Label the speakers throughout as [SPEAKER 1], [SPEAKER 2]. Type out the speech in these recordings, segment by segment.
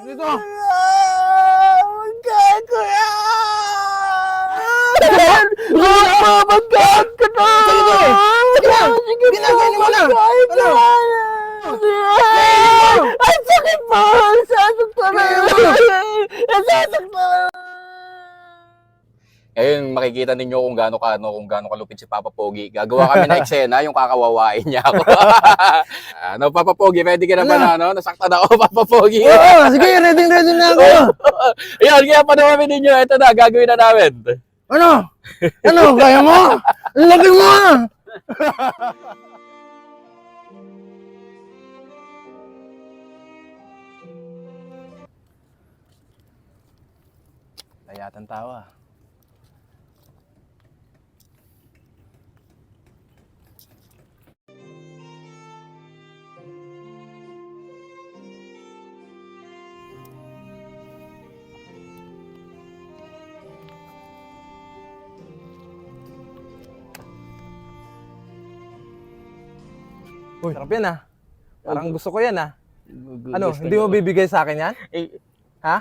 [SPEAKER 1] Dito!
[SPEAKER 2] Magkaan ko na!
[SPEAKER 1] Magkaan ka na! Sige na! Ginagawa mo na! Ano?
[SPEAKER 2] Ang sakit po! Sasaktan na! Sasaktan na!
[SPEAKER 3] Ngayon, makikita ninyo kung gaano kalupit si Papa Pogi. Gagawa kami na eksena, yung kakawawain niya ako. Ano, Papa Pogi, ready ka na ba na, ano? Nasaktan ako, Papa Pogi.
[SPEAKER 1] Oo! Sige, ready na ako!
[SPEAKER 3] Ayan, kaya panoorin ninyo. Ito na, gagawin na namin.
[SPEAKER 1] Ano? Ano? Kaya mo? Ang laki mo!
[SPEAKER 3] Layatan tawa.
[SPEAKER 1] Uy, sarap yan ah. Parang gusto ko yan ah. Ano, hindi mo bibigay sa akin yan? Ha?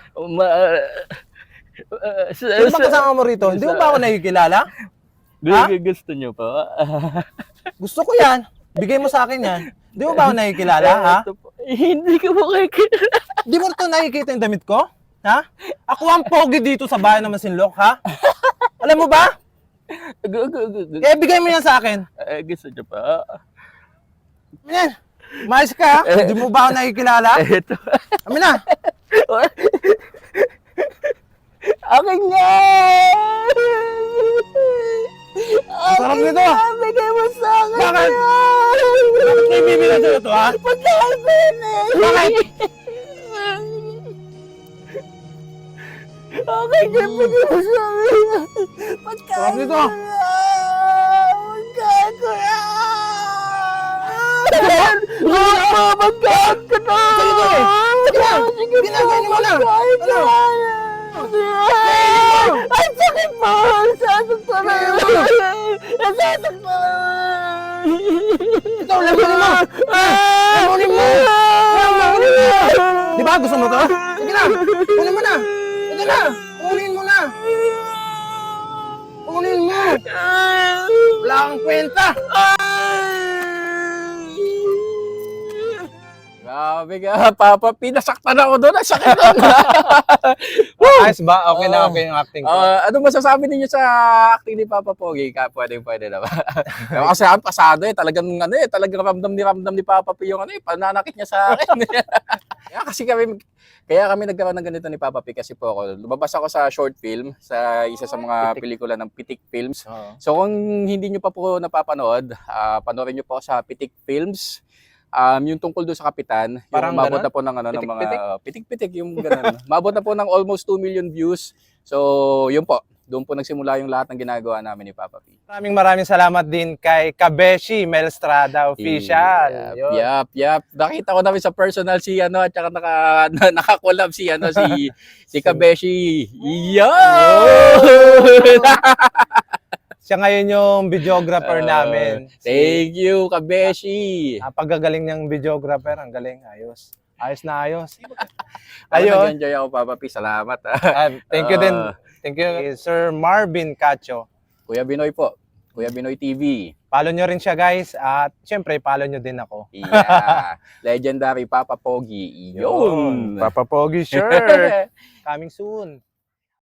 [SPEAKER 1] Sino ba kasama mo rito? Hindi mo ba ako nakikilala? Ha?
[SPEAKER 3] Gusto nyo pa?
[SPEAKER 1] Gusto ko yan. Bigay mo sa akin yan. Hindi mo ba ako nakikilala, ha?
[SPEAKER 3] Hindi ko mo kakilala.
[SPEAKER 1] Di mo ito nakikita yung damit ko? Ha? Ako ang pogi dito sa bayan ng Masinloc, ha? Alam mo ba? Kaya bigay mo yan sa akin.
[SPEAKER 3] Gusto nyo pa?
[SPEAKER 1] Yan. Mais ka, ha? Hindi mo ba ako nakikilala?
[SPEAKER 3] Ito.
[SPEAKER 1] Amin na.
[SPEAKER 3] Akin nga!
[SPEAKER 1] Ang sarap nito.
[SPEAKER 2] Bigay mo sa akin!
[SPEAKER 1] Bakit? Bakit may bibigyan sa'yo ito, ha?
[SPEAKER 2] Pagkaan ko na!
[SPEAKER 1] Bakit?
[SPEAKER 2] Okay, bigay mo sa akin!
[SPEAKER 1] Sarap
[SPEAKER 2] Pagkaan
[SPEAKER 1] nito.
[SPEAKER 2] ko na! Pagkaan ko na!
[SPEAKER 3] Magkaan ka na!
[SPEAKER 1] Sige na! Ginagawa mo na! Ano?
[SPEAKER 2] Ang sakit po! Sasaktan na! Sasaktan na!
[SPEAKER 1] Ito, lamunin mo! Lamunin mo! Lamunin mo! Di ba gusto mo to? Sige na! Kunin mo na! Ito na! Kunin mo na! Kunin mo! Wala kang kwenta!
[SPEAKER 3] Grabe ka, Papa. Pinasaktan ako doon. Ang sakit doon.
[SPEAKER 1] Ayos ba? Okay na okay yung acting ko.
[SPEAKER 3] Ano masasabi ninyo sa acting ni Papa Pogi? Pwede na ba? Kasi ang pasado talagang ramdam ni Papa P yung pananakit niya sa akin. Kaya kami nagkaroon ng ganito ni Papa P kasi po ako, lumabas ako sa short film, sa isa sa mga pelikula ng Pitik Films. So kung hindi nyo pa po napapanood, panoorin nyo po sa Pitik Films. Yung tungkol doon sa kapitan,
[SPEAKER 1] Parang
[SPEAKER 3] yung mabot
[SPEAKER 1] ganun?
[SPEAKER 3] na po ng ano ng
[SPEAKER 1] Pitik-pitik?
[SPEAKER 3] mga pitik-pitik yung ganun. Mabot na po ng almost 2 million views. So, yun po. Doon po nagsimula yung lahat ng ginagawa namin ni Papa P.
[SPEAKER 1] Maraming salamat din kay Kabeshi Mel Estrada Official. Yun.
[SPEAKER 3] Yap. Nakita ko namin sa personal si at saka naka-collab si si Kabeshi. Yo!
[SPEAKER 1] Siya ngayon yung videographer namin.
[SPEAKER 3] Thank you, Kabeshi.
[SPEAKER 1] Napagagaling niyang videographer. Ang galing. Ayos. Ayos na ayos.
[SPEAKER 3] Ayun.
[SPEAKER 1] Ayun.
[SPEAKER 3] Nag-enjoy ako, Papa P. Salamat.
[SPEAKER 1] Thank you din. Thank you, Sir Marvin Cacho.
[SPEAKER 3] Kuya Binoy po. Kuya Binoy TV.
[SPEAKER 1] Follow nyo rin siya, guys. At syempre, follow nyo din ako.
[SPEAKER 3] Yeah. Legendary Papa Pogi. Yun.
[SPEAKER 1] Papa Pogi, sure. Coming soon.